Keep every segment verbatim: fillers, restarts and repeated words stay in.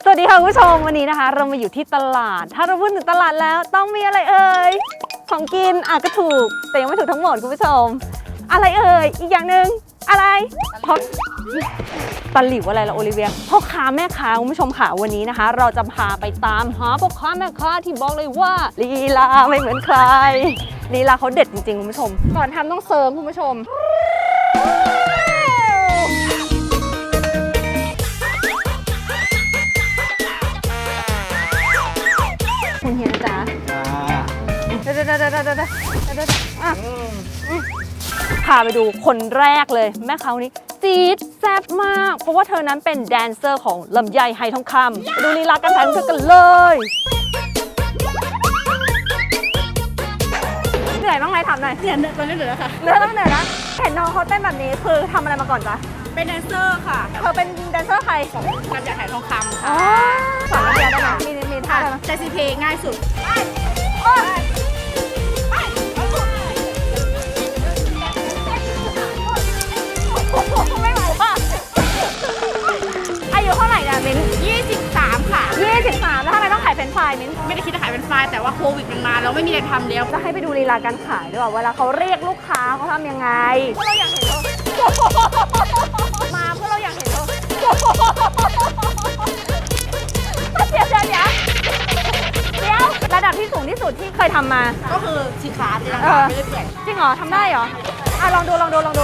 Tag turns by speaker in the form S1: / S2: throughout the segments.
S1: สวัสดีค่ะคุณผู้ชมวันนี้นะคะเรามาอยู่ที่ตลาดถ้าเราพูดถึงตลาดแล้วต้องมีอะไรเอ่ยของกินอ่ะก็ถูกแต่ยังไม่ถูกทั้งหมดคุณผู้ชมอะไรเอ่ยอีกอย่างหนึ่งอะไรเพราะตะหลิวอะไรล่ะโอลิเวียพ่อค้าแม่ค้าคุณผู้ชมค่ะวันนี้นะคะ เราจะพาไปตามหาพ่อค้าแม่ค้าที่บอกเลยว่าลีลาไม่เหมือนใครลีลาเขาเด็ดจริงๆคุณผู้ชมก่อนทำต้องเซิร์ฟคุณผู้ชมคุณเฮียนะจ๊ะเดี๋ยวเดี๋ยวเดี๋ยวเดี๋ยวเดี๋ยวเดี๋ยวอ่ะพาไปดูคนแรกเลยแม่ค้าคนนี้จี๊ดแซ่บมากเพราะว่าเธอนั้นเป็นแดนเซอร์ของลำไยไหทองคำดูลีลาการถ่ายของเธอกันเลยเหนื่อยบ้างไหมถามหน่อย
S2: เนี่ยตอนนี้เหลือค่ะ
S1: เหนื่อยต้องเหนื่อยนะเห็นน้องเขาเต้นแบบนี้คือทำอะไรมาก่อนจ๊ะ
S2: เป็นแดนเซอร์ค่ะ
S1: เธอเป็นแดนเซอร์ใคร
S2: ของการจ่ายถ่ายทองคำ
S1: อ๋
S2: ค่ะ
S1: อสอนเรียนได้ไหมมีมีท่าได้ไหม
S2: ใจซีเพย์ง่ายสุด
S1: ไม่ไหวป่ะอายุเท่าไหร่เนี่ยมิ้น
S2: ยี่สิบสามค่ะ
S1: ยี่สิบสามแล้วทำไมต้องขายเฟรนช์ฟรายมิ้น
S2: ไม่ได้คิดจะขายเป็นไฟล์แต่ว่าโควิดมันมาแล้วไม่มีอะไรทำแล้ว
S1: จะให้ไปดูลีลาการขายด้วยว่าเวลาเขาเรียกลูกค้าเขาทำยังไงพวกเราอยากเห็นเขามาพวกเราอยากเห็นเขาเดี๋ยวเดี๋ยวเดี๋ยวเดี๋ยวระดับที่สูงที่สุดที่เคยทำมา
S2: ก็คือชีขาดเลยนะ
S1: เอ
S2: คะ
S1: อ
S2: ไม่ได้เปลี่ยน
S1: จริงเหรอทำได้เหรออ่ะลองดูลองดูลองดู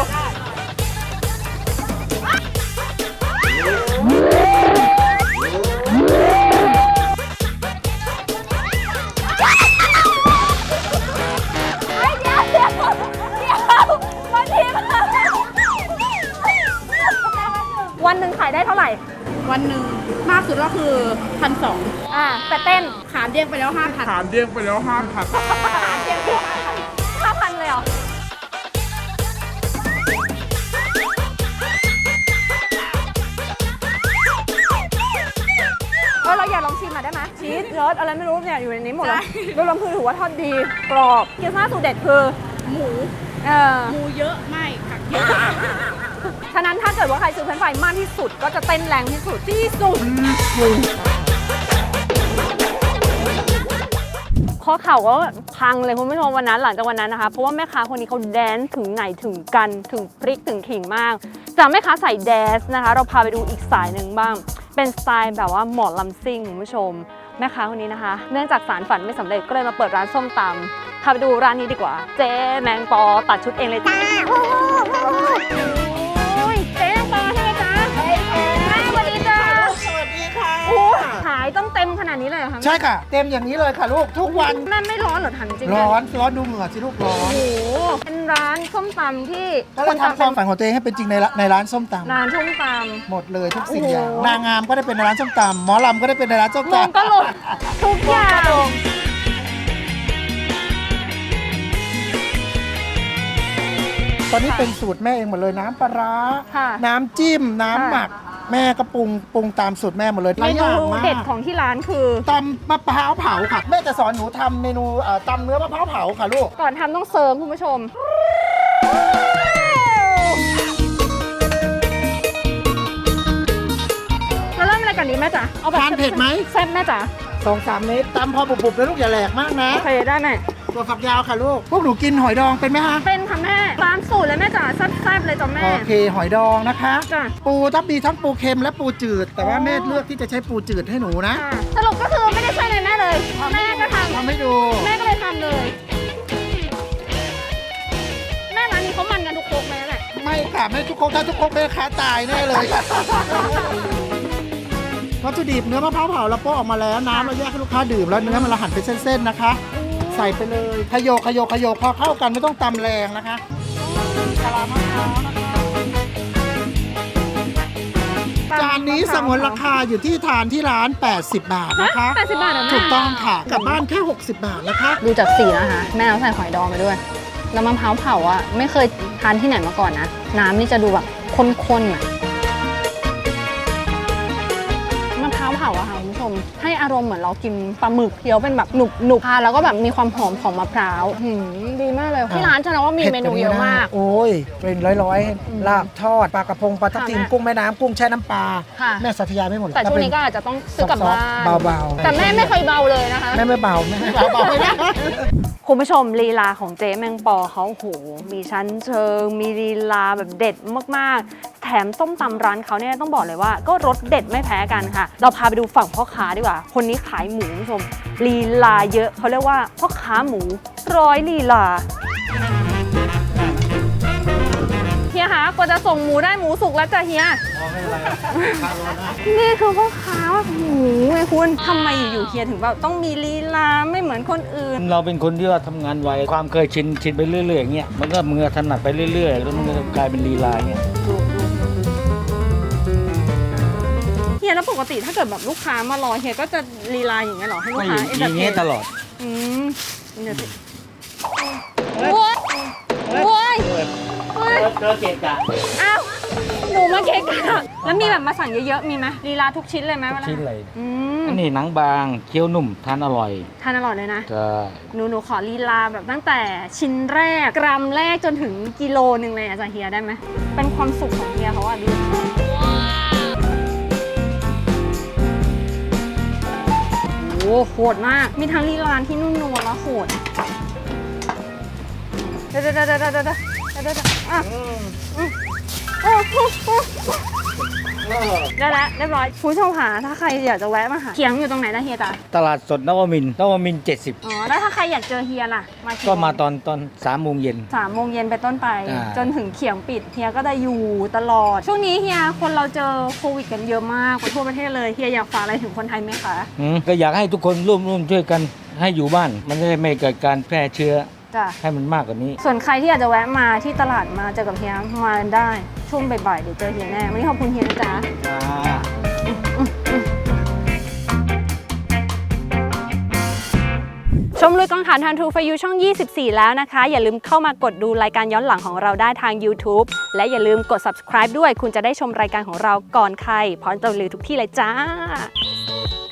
S1: วันหนึ่งขายได้เท่าไหร่
S2: วันหนึ่งมากสุดก็คือพันสอง
S1: อ่าแต่เต้น
S2: ขาเด้งไปแล้วห้าพัน
S3: ถามเดี้ยงไปแล้วห้าพัน
S1: ห้าพันเลยเหรอเออเราอยากลองชิมหน่อยได้ไหมชีสรสอะไรไม่รู้เนี่ยอยู่ในนี้หมดเลยโดยรวมคือถือว่าทอดดีกรอบเกี๊ยวซ่าสูตรเด็ดคือ
S2: หมู
S1: เออ
S2: หมูเยอะไม่ผักเยอะ
S1: ฉะนั้นถ้าเกิดว่าใครซื้อเฟรนช์ฟรายมากที่สุดก็จะเต้นแรงที่สุดที่สุดข้อเข่าก็พังเลยคุณผู้ชมวันนั้นหลังจากวันนั้นนะคะเพราะว่าแม่ค้าคนนี้เขาแดนซ์ถึงไหนถึงกันถึงพริกถึงขิงมากจากแม่ค้าใส่แดนซ์นะคะเราพาไปดูอีกสายหนึ่งบ้างเป็นสไตล์แบบว่าหมอลำซิ่งคุณผู้ชมแม่ค้าคนนี้นะคะเนื่องจากสารฝันไม่สำเร็จก็เลยมาเปิดร้านส้มตำพาไปดูร้านนี้ดีกว่าเจ๊แมงปอตัดชุดเองเลยจ้าเจ๊แมงปอใช่ไหมจ๊ะใช่ค่ะสวัสดีจ้า
S4: สวัสดีค่ะ
S1: โอ้ขายต้องเต็มขนาดนี้เลยเหรอคะ
S4: ใช่ค่ะ เต็มอย่างนี้เลยค่ะลูกทุกวัน
S1: แม่ไม่ร้อนเหรอถามจริงๆ
S4: ร้อนร้อนดูเหงื่อสิลูกร้อ
S1: โอ้
S4: น
S1: โหเป็นร้านส้มตำที่
S4: ก็เลยทำความฝันของตัวเองให้เป็นจริงในร้านในร้านส้มต
S1: ร้านส้มต
S4: ำหมดเลยทุกสิ่ง
S1: โอ้โห
S4: อย่างนางงามก็ได้เป็นในร้านส้มตำหมอลำก็ได้เป็นในร้านส้ม
S1: ำมอง
S4: ตำ
S1: ก็หลุดทุกอย่าง
S4: ตอนนี้เป็นสูตรแม่เองหมดเลยน้ำปลาร้า
S1: ค่ะ
S4: น้ำจิ้มน้ำ
S1: ค่ะ
S4: หมัก แม่ก็ปรุงปรุงตามสูตรแม่หมดเลย
S1: เม
S4: หลายอ
S1: นู
S4: ย่างมาก
S1: เด็ดของที่ร้านคือ
S4: ตำมะพร้าวเผาค่ะแม่จะสอนหนูทำเมนูเอ่อตำเนื้อมะพร้าวเผาค่ะลูก
S1: ก่อนทำต้องเซิร์ฟคุณผู้ชมเราเริ่มอะไรก่อนดีแม่จ๋าเอาแบบ
S4: ทานเผ็ดไหม
S1: แซ่บแม่จ๋า
S4: สองสามเมตรตำพอบุบๆนะลูกอย่าแหลกมากนะ
S1: โอเคได้แม่
S4: ตัวฝักยาวค่ะลูกพวกหนูกินหอยดองเป็นไหมคะ
S1: เป็นค่ะแม่ร้านสูตรเลยแม่จ๋าแซ่บๆเลยจ้ะแม่
S4: โอเคหอยดองนะคะ
S1: จ้ะ
S4: ปูต้องมีทั้งปูเค็มและปูจืด แต่ว่าแม่เลือกที่จะใช้ปูจืดให้หนูนะ
S1: ค่ะสรุปก็คือไม่ได้ช่วยเลยแม่เลยแม่ก็ทำ
S4: ทำให้ดู
S1: แม่ก็เลยทำเลย แม่ร้านนี้เขามันกันทุกโคกไหมแหละ
S4: ไม่ค่ะไม่ทุกคนถ้าทุกคนแม่ค้าตายแน่เลยค่ะวัตถุดิบเนื้อมะพร้าวเผาเราโปะออกมาแล้วน้ำเราแยกให้ลูกค้าดื่มแล้วเนื้อมันเราหั่นเป็นเส้นๆนะคะ ใส่ไปเลยขยโยกขยโยกขยโยกพอเข้ากันไม่ต้องตำแรงนะคะกะลามะพร้าวนะคะจานนี้สงวนราคาอยู่ที่ทานที่ร้าน แปดสิบบาทนะคะ
S1: แปดสิบบาทเหรอแม่
S4: ถูกต้องค่ะกลับบ้านแค่ หกสิบบาทนะคะ
S1: ดูจากสีนะคะ แม่เอาใส่หอยดองไปด้วย แล้วมะพร้าวเผาอ่ะไม่เคยทานที่ไหนมาก่อนนะ น้ำนี่จะดูแบบข้นๆอ่ะมะพร้าวเผาอะค่ะคุณผู้ชมให้อารมณ์เหมือนเรากินปลาหมึกเคี้ยวเป็นแบบหนุบหนุบทานแล้วก็แบบมีความหอมของมะพร้าวหืมดีมากเลยที่ร้านฉันว่ามีเมนูเยอะมาก
S4: โอ้ยเป็นร้อยๆลาบทอดปลากระพงปลาทับทิม
S1: ค่ะ
S4: กุ้งแม่น้ำกุ้งแช่น้ำปลา
S1: ค่ะ
S4: แม่สัตยาไม่หมดหรอก
S1: แต่ช่วงนี้ก็อาจจะต้องซื้อกลับบ้าน
S4: เบาๆ
S1: แต่แม่ไม่เคยเบาเลยนะคะ
S4: แม่ไม่เบาแม่ไม่เบาเบาไม่ได้
S1: คุณผู้ชมลีลาของเจ๊แมงปอเขาโหมีชั้นเชิง มีลีลาแบบเด็ดมากๆ แถมส้มตำร้านเขาเนี่ยต้องบอกเลยว่าก็รสเด็ดไม่แพ้กันค่ะ เราพาไปดูฝั่งพ่อค้าดีกว่า คนนี้ขายหมูคุณผู้ชมลีลาเยอะเขาเรียกว่าพ่อค้าหมูร้อยลีลาเฮียคะกว่าจะส่งหมูได้หมูสุกแล้วจ้ะเฮีย นี่คือพ่อค้าหมูไงคุณทำไมอยู่ๆเฮียถึงแบบต้องมีลีลาไม่เหมือนคนอื่น
S3: เราเป็นคนที่ว่าทำงานไวความเคยชินชินไปเรื่อยๆอย่างเงี้ยมันก็มือถนัดไปเรื่อยๆแล้วมันก็กลายเป็นลีลาเงี้ย
S1: เฮียแล้วปกติถ้าเกิดแบบลูกค้ามารอเฮียก็จะลีลาอย่างเงี้ยเหรอให้ลูก
S3: ไม่
S1: ค้า
S3: อ
S1: เอน
S3: อ
S1: เตอร์
S3: ย่าง
S1: เท
S3: เงี้ย
S1: น
S3: ตลอด
S1: อืมเดี๋ยวสิโว้ยโว้ยโว้ย
S3: เจอเกะกะ
S1: อ้าวหมูมาเค้กอะแล้วมีแบบมาสั่งเยอะๆมีไหมลีลาทุกชิ้นเลยไหมเวลา
S3: ชิ้นเลย
S1: อืม
S3: อันนี้หนังบางเคี้ยวนุ่มทานอร่อย
S1: ทานอร่อยเลยนะ
S3: ก็
S1: หนูหนูขอลีลาแบบตั้งแต่ชิ้นแรกกรัมแรกจนถึงกิโลหนึ่งเลยอาจารย์เฮียได้ไหมเป็นความสุขของเฮียเขาอะดูโอ้โหโหดมากมีทั้งลีลาที่นุ่มนวลและโหดเดี๋ยวเดี๋ยวเดี๋ยวเดี๋ยวเดี๋ยวเดี๋ยวเดี๋ยวอ่ะอืมโอ้โหได้แล้วเรียบร้อยคุณผู้ชมค่ะถ้าใครอยากจะแวะมาหาเขียงอยู่ตรงไหนนะเฮียจ๊ะ
S3: ตลาดสดนวมินทร์นวมินทร์เจ็ดสิบ
S1: อ๋อแล้วถ้าใครอยากเจอเฮียล่ะมากี่
S3: ก็มา
S1: โง
S3: ตอนตอนสามโมงเย็น
S1: สามโมงเย็นไปต้นไป
S3: อ่า
S1: จนถึงเขียงปิดเฮียก็จะอยู่ตลอด ช่วงนี้เฮียคนเราเจอโควิดกันเยอะมากไปทั่วประเทศเลยเฮียอยากฝากอะไรถึงคนไทยไหมคะ
S3: อืมก็อยากให้ทุกคนร่วมร่วมช่วยกันให้อยู่บ้าน มันจะได้ไม่เกิดการแพร่เชื้อ
S1: จ้ะ
S3: ให้มันมากกว่านี้
S1: ส่วนใครที่อยากจะแวะมาที่ตลาดมาเจอกับเฮียมาได้ช่วงบ่ายๆเดี๋ยวเจอเฮียแน่วันนี้ขอบคุณเฮียนะจ๊ะชมลุยกองถ่านทาง True for You ช่อง ยี่สิบสี่ แล้วนะคะ อย่าลืมเข้ามากดดูรายการย้อนหลังของเราได้ทาง YouTube และอย่าลืมกด Subscribe ด้วยคุณจะได้ชมรายการของเราก่อนใครพร้อมจะรีวิวทุกที่เลยจ้า